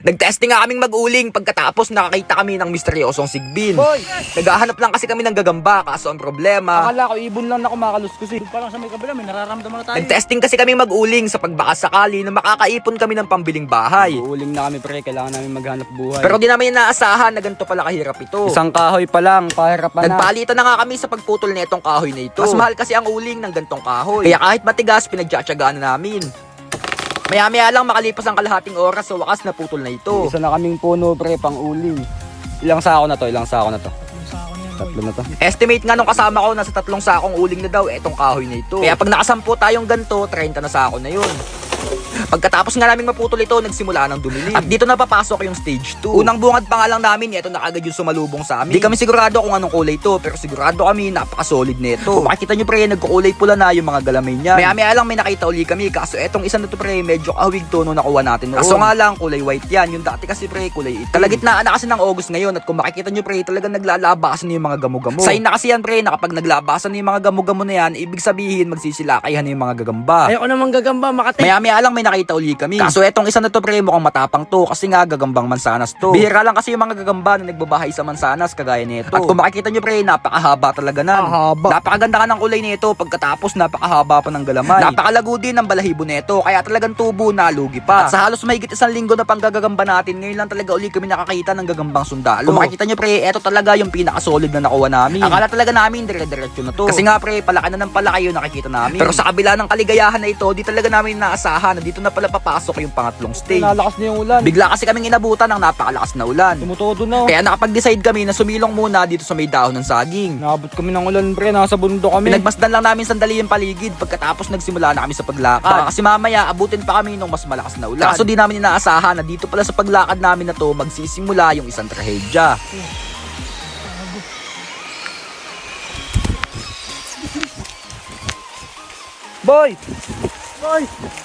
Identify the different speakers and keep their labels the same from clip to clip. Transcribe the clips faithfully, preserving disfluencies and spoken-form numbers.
Speaker 1: Nagtesting nga kaming mag-uling pagkatapos nakakita kami ng misteryosong sigbin.
Speaker 2: Boy!
Speaker 1: Naghahanap lang kasi kami ng gagamba kaso ang problema.
Speaker 2: Akala ko ibon lang na kumakaluskos eh. Doon pa lang sa may kabila, may nararamdaman na tayo.
Speaker 1: Nagtesting kasi kami mag-uling sa pagbaka sakali na makakaipon kami ng pambiling bahay.
Speaker 2: Uuling na kami pre, kailangan namin maghanap buhay.
Speaker 1: Pero di namin inaasahan na ganito pala kahirap ito.
Speaker 2: isang kahoy pa lang, pahirapan na.
Speaker 1: Nagpalitan na nga kami sa pagputol na itong kahoy na ito. Mas mahal kasi ang uling ng gantong kahoy. Kaya kahit matigas, pinagtsatsagaan na namin. Maya-maya lang makalipas ang kalahating oras sa wakas na putol na ito.
Speaker 2: Isa na kaming puno pre, pang uling. Ilang sako na to, ilang sako na to. Tatlo na to.
Speaker 1: Estimate nga nung kasama ko nasa tatlong sakong uling na daw etong kahoy na ito. Kaya pag nakasampu tayong ganto, thirty na sako na yun. Pagkatapos nga naming maputol ito, nagsimula ng dumilim. At dito na papasok yung stage two. Unang bungad pa nga lang namin, ito na agad yung sumalubong sa amin. Di kami sigurado kung anong kulay ito, pero sigurado kami napaka-solid nito. Kung makikita nyo pre, nagkukulay pula na yung mga galamay niya. Maya-maya lang may nakita uli kami, kaso etong isa na to pre, medyo kahawig to nung nakuha natin noon. Kaso nga lang, kulay white yan. Yung dati kasi pre, kulay itim. Kalagitnaan na kasi ng August ngayon, at kung makikita nyo pre, talagang naglalabasan na yung mga gamo-gamo. Sign na kasi yan pre, na kapag naglabasan na yung mga gamo-gamo na yan, ibig sabihin magsisilakayan na yung mga gagamba.
Speaker 2: Ayoko naman gagamba, Makati.
Speaker 1: Maya-maya lang may nakita uli kami. Kaso etong isa na to pre, mukhang matapang to kasi nga gagambang mansanas to. Bihira lang kasi yung mga gagamba na nagbabahay sa mansanas kagaya nito. At kung makikita nyo pre, napakahaba talaga nan.
Speaker 2: Haba.
Speaker 1: Napakaganda ka ng kulay nito pagkatapos napakahaba pa ng galamay. Napakalago din ng balahibo nito kaya talagang tubo na lugi pa. At sa halos mahigit isang linggo na panggagagamba natin, ngayon lang talaga uli kami nakakita ng gagambang sundalo. Kung makikita nyo pre, eto talaga yung pinaka-solid na nakuha namin. Akala talaga namin dire-diretso na to. Kasi nga pre, palaki na ng palaki yung nakikita namin. Pero sa kabila ng kaligayahan na ito, di talaga namin naasahan na dito na pala papasok yung pangatlong stage.
Speaker 2: Nalakas na yung ulan.
Speaker 1: Bigla kasi kaming inabutan ng napakalakas na ulan.
Speaker 2: Tumutodo na.
Speaker 1: Kaya nakapag-decide kami na sumilong muna dito sa may dahon ng saging.
Speaker 2: Naabot kami ng ulan pre, nasa bundok kami.
Speaker 1: Pinagmasdan lang namin sandali yung paligid pagkatapos nagsimula na kami sa paglakad. Baka kasi mamaya abutin pa kami nung mas malakas na ulan. Kaso di namin inaasahan na dito pala sa paglakad namin na to magsisimula yung isang trahedya.
Speaker 2: Boy! Boy!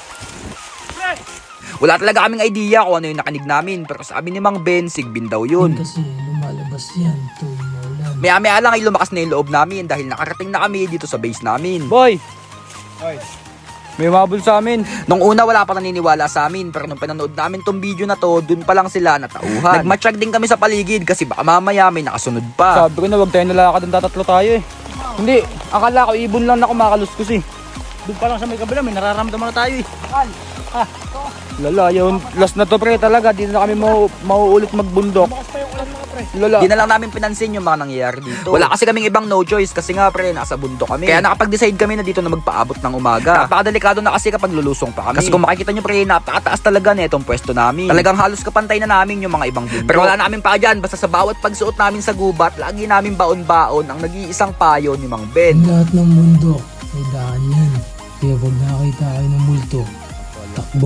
Speaker 1: Wala talaga kaming idea kung ano yung nakanig namin, pero sabi ni Mang Ben, sigbin daw yun.
Speaker 3: Kasi lumalabas yan tuwing maulan.
Speaker 1: Maya-maya lang ay lumakas na yung loob namin dahil nakarating na kami dito sa base namin.
Speaker 2: Boy! Boy! May mabul sa amin.
Speaker 1: Nung una wala pa naniniwala sa amin, pero nung pinanood namin tong video na to, dun pa lang sila natauhan. Nagmatsyag din kami sa paligid kasi baka mamaya may nakasunod pa.
Speaker 2: Sabi ko na wag tayo nalakad, ang tatatlo tayo eh. Hindi, akala ko ibon lang na kumakaluskos eh. Doon pa lang sa may kabila, may nararamdaman na tayo eh. Ha? Lala, yun. Last na to pre talaga, dito na kami mau mauulit magbundok. Bukas pa yung ulan mga pre. Lala.
Speaker 1: Di na lang namin pinansin yung mga nangyayari dito. Wala kasi kaming ibang no choice kasi nga pre, nasa bundok kami. Kaya nakapag-decide kami na dito na magpaabot ng umaga. Napakadelikado na kasi kapag lulusong pa kami. Kasi kung makikita nyo pre, napakataas talaga na itong pwesto namin. Talagang halos kapantay na namin yung mga ibang bundok. Pero wala namin pa dyan, basta sa bawat pagsuot namin sa gubat, lagi namin baon-baon ang nag-iisang payo ni Mang Ben.
Speaker 3: Ang lahat ng bundok may daan yan. Kaya pag nakakita kayo ng multo, takbo.